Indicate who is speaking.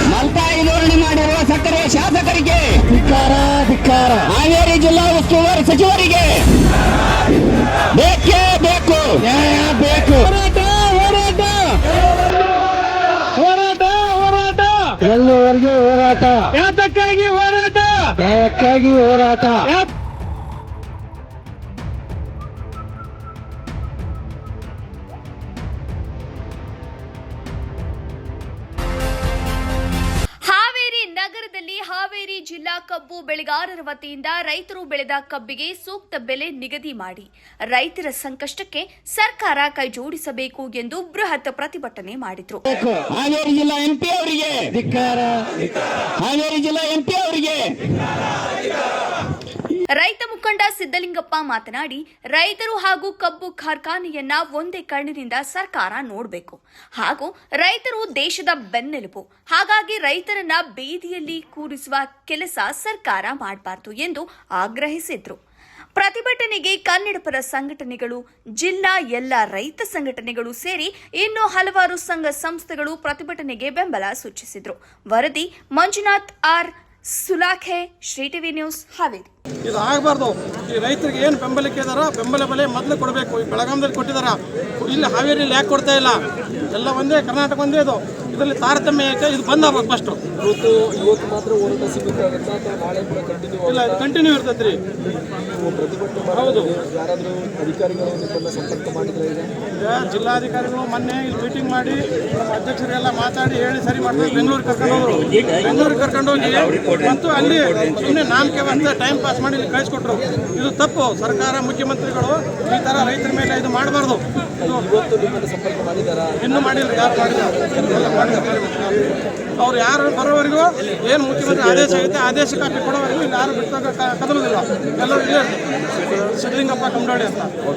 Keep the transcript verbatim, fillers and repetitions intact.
Speaker 1: ಮಲ್ತಾಯಿ ಧೋರಣೆ ಮಾಡಿರುವ ಸಕ್ಕರೆ ಶಾಸಕರಿಗೆ
Speaker 2: ಧಿಕ್ಕಾರ ಧಿಕ್ಕಾರ.
Speaker 1: ಹಾವೇರಿ ಜಿಲ್ಲಾ ಉಸ್ತುವಾರಿ ಸಚಿವರಿಗೆ ಬೇಕೇ ಬೇಕು,
Speaker 2: ನ್ಯಾಯ ಬೇಕು. ಹೋರಾಟ ಹೋರಾಟ ಹೋರಾಟ ಹೋರಾಟ ಎಲ್ಲವರೆಗೂ ಹೋರಾಟ. ಯಾತಕ್ಕಾಗಿ ಹೋರಾಟ? ನ್ಯಾಯಕ್ಕಾಗಿ ಹೋರಾಟ.
Speaker 3: ಹಾವೇರಿ ನಗರದಲ್ಲಿ ಹಾವೇರಿ ಜಿಲ್ಲಾ ಕಬ್ಬು ಬೆಳೆಗಾರರ ವತಿಯಿಂದ ರೈತರು ಬೆಳೆದ ಕಬ್ಬಿಗೆ ಸೂಕ್ತ ಬೆಲೆ ನಿಗದಿ ಮಾಡಿ ರೈತರ ಸಂಕಷ್ಟಕ್ಕೆ ಸರ್ಕಾರ ಕೈಜೋಡಿಸಬೇಕು ಎಂದು ಬೃಹತ್ ಪ್ರತಿಭಟನೆ ಮಾಡಿದರು.
Speaker 1: ಹಾವೇರಿ ಜಿಲ್ಲಾ ಎಂಪಿ ಅವರಿಗೆ
Speaker 2: ಧಿಕ್ಕಾರ.
Speaker 1: ಹಾವೇರಿ ಜಿಲ್ಲಾ ಎಂಪಿ ಅವರಿಗೆ
Speaker 3: ರೈತ ಮುಖಂಡ ಸಿದ್ದಲಿಂಗಪ್ಪ ಮಾತನಾಡಿ, ರೈತರು ಹಾಗೂ ಕಬ್ಬು ಕಾರ್ಖಾನೆಯನ್ನ ಒಂದೇ ಕಣ್ಣಿನಿಂದ ಸರ್ಕಾರ ನೋಡಬೇಕು ಹಾಗೂ ರೈತರು ದೇಶದ ಬೆನ್ನೆಲುಬು. ಹಾಗಾಗಿ ರೈತರನ್ನ ಬೀದಿಯಲ್ಲಿ ಕೂರಿಸುವ ಕೆಲಸ ಸರ್ಕಾರ ಮಾಡಬಾರದು ಎಂದು ಆಗ್ರಹಿಸಿದ್ರು. ಪ್ರತಿಭಟನೆಗೆ ಕನ್ನಡಪರ ಸಂಘಟನೆಗಳು, ಜಿಲ್ಲಾ ಎಲ್ಲ ರೈತ ಸಂಘಟನೆಗಳು ಸೇರಿ ಇನ್ನೂ ಹಲವಾರು ಸಂಘ ಸಂಸ್ಥೆಗಳು ಪ್ರತಿಭಟನೆಗೆ ಬೆಂಬಲ ಸೂಚಿಸಿದ್ರು. ವರದಿ Manjunath R Sulakhe, Shri TV news, Haveri.
Speaker 4: ಇದು ಆಗಬಾರ್ದು. ಈ ರೈತರಿಗೆ ಏನು ಬೆಂಬಲಕ್ಕೆ ಇದಾರ ಬೆಂಬಲ ಬೆಲೆ ಮೊದಲು ಕೊಡಬೇಕು. ಈ ಬೆಳಗಾಮದಲ್ಲಿ ಕೊಟ್ಟಿದಾರ, ಇಲ್ಲಿ ಹಾವೇರಿಯಲ್ಲಿ ಯಾಕೆ ಕೊಡ್ತಾ ಇಲ್ಲ? ಎಲ್ಲ ಒಂದೇ, ಕರ್ನಾಟಕ ಒಂದೇ. ಇದು ಇದರಲ್ಲಿ ತಾರತಮ್ಯ ಯಾಕೆ? ಇದು ಬಂದ್ ಆಗ್ಬೇಕು ಫಸ್ಟು.
Speaker 5: ಇವತ್ತು ಇವತ್ತು ಮಾತ್ರ ಹೋರಾಟ ಸೀಮಿತ ಆಗುತ್ತಾ ಅಥವಾ ನಾಳೆ ಕೂಡ ಕಂಟಿನ್ಯೂ?
Speaker 4: ಇಲ್ಲ, ಕಂಟಿನ್ಯೂ ಇರ್ತೈತೆ ರೀ.
Speaker 5: ಪ್ರತಿಭಟನೆ
Speaker 4: ಹೌದು.
Speaker 5: ಯಾರಾದರೂ ಅಧಿಕಾರಿಗಳು ನಿಮ್ಮನ್ನ ಸಂಪರ್ಕ ಮಾಡಿದ್ರೆ ಈಗ
Speaker 4: ಈಗ ಜಿಲ್ಲಾಧಿಕಾರಿಗಳು ಮೊನ್ನೆ ಇಲ್ಲಿ ಮೀಟಿಂಗ್ ಮಾಡಿ ನಮ್ಮ ಅಧ್ಯಕ್ಷರಿಗೆಲ್ಲ ಮಾತಾಡಿ ಹೇಳಿ ಸರಿ ಮಾಡ್ತಾರೆ. ಬೆಂಗಳೂರಿಗೆ ಕರ್ಕೊಂಡು ಹೋದ್ರು. ಬೆಂಗಳೂರಿಗೆ ಕರ್ಕೊಂಡು ಹೋಗಿ ಮತ್ತು ಅಲ್ಲಿ ಸುಮ್ಮನೆ ನಾಮಕೆ ಅಂತ ಟೈಮ್ ಪಾಸ್ ಮಾಡಿ ಇಲ್ಲಿ ಕಳಿಸ್ಕೊಟ್ರು. ಇದು ತಪ್ಪು. ಸರ್ಕಾರ, ಮುಖ್ಯಮಂತ್ರಿಗಳು ಈ ಥರ ರೈತರ ಮೇಲೆ ಇದು ಮಾಡಬಾರ್ದು.
Speaker 5: ಇವತ್ತು ನಿಮ್ಮನ್ನು ಸಂಪರ್ಕ ಮಾಡಿದಾರಾ?
Speaker 4: ಇನ್ನೂ ಮಾಡಿಲ್ಲ. ಯಾರು ಮಾಡಿದ್ದಾರೆ? ಅವ್ರು ಯಾರು ಬರೋವರೆಗೂ ಏನು ಮುಖ್ಯಮಂತ್ರಿ ಆದೇಶ ಆಗುತ್ತೆ ಆದೇಶ ಕಾಪಿ ಕೊಡೋವರೆಗೂ ಇಲ್ಲಿ ಯಾರು ಬಿಟ್ಟು ಕದಲುವುದಿಲ್ಲ. ಎಲ್ಲರೂ ಇಲ್ಲೇ ಸಿದ್ದಲಿಂಗಪ್ಪ ಕಂಡೋಡಿ ಅಂತ.